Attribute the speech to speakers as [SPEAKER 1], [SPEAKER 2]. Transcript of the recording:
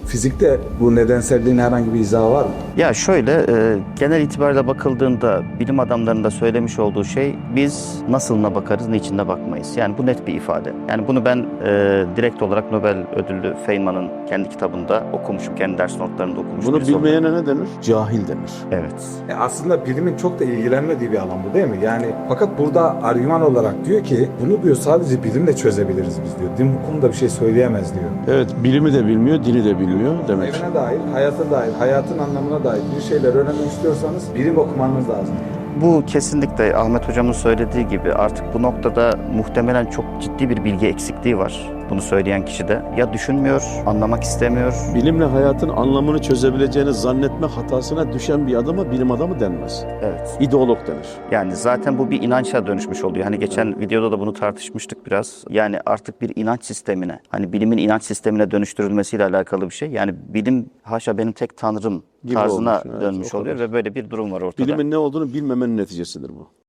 [SPEAKER 1] Fizikte bu nedenselliğin herhangi bir izahı var mı?
[SPEAKER 2] Ya şöyle, genel itibariyle bakıldığında bilim adamlarının da söylemiş olduğu şey, biz nasılına bakarız, niçinine bakmayız. Yani bu net bir ifade. Yani bunu ben direkt olarak Nobel ödüllü Feynman'ın kendi kitabında okumuşum, kendi ders notlarında okumuşum.
[SPEAKER 3] Bunu bilmeyene ne denir? Cahil denir.
[SPEAKER 2] Evet.
[SPEAKER 1] Aslında bilimin çok da ilgilenmediği bir alan bu değil mi? Yani fakat burada argüman olarak diyor ki bunu diyor sadece bilimle çözebiliriz biz diyor. Din bu konuda bir şey söyleyemez diyor.
[SPEAKER 3] Evet, bilimi de bilmiyor, dini de bilmiyor demek.
[SPEAKER 1] Evrene dair, hayata dair, hayatın anlamına dair bir şeyler öğrenmek istiyorsanız bilim okumanız lazım.
[SPEAKER 2] Bu kesinlikle Ahmet Hocam'ın söylediği gibi artık bu noktada muhtemelen çok ciddi bir bilgi eksikliği var. Bunu söyleyen kişi de ya düşünmüyor, anlamak istemiyor.
[SPEAKER 3] Bilimle hayatın anlamını çözebileceğini zannetme hatasına düşen bir adama bilim adamı denmez.
[SPEAKER 2] Evet.
[SPEAKER 3] İdeolog denir.
[SPEAKER 2] Yani zaten bu bir inança dönüşmüş oluyor. Hani geçen videoda da bunu tartışmıştık biraz. Yani artık bir inanç sistemine, hani bilimin inanç sistemine dönüştürülmesiyle alakalı bir şey. Yani bilim haşa benim tek tanrım
[SPEAKER 3] Gibi
[SPEAKER 2] tarzına
[SPEAKER 3] olmuş, evet,
[SPEAKER 2] dönmüş
[SPEAKER 3] o
[SPEAKER 2] oluyor
[SPEAKER 3] kadar.
[SPEAKER 2] ve böyle bir durum var ortada.
[SPEAKER 3] Bilimin ne olduğunu bilmemenin neticesidir bu.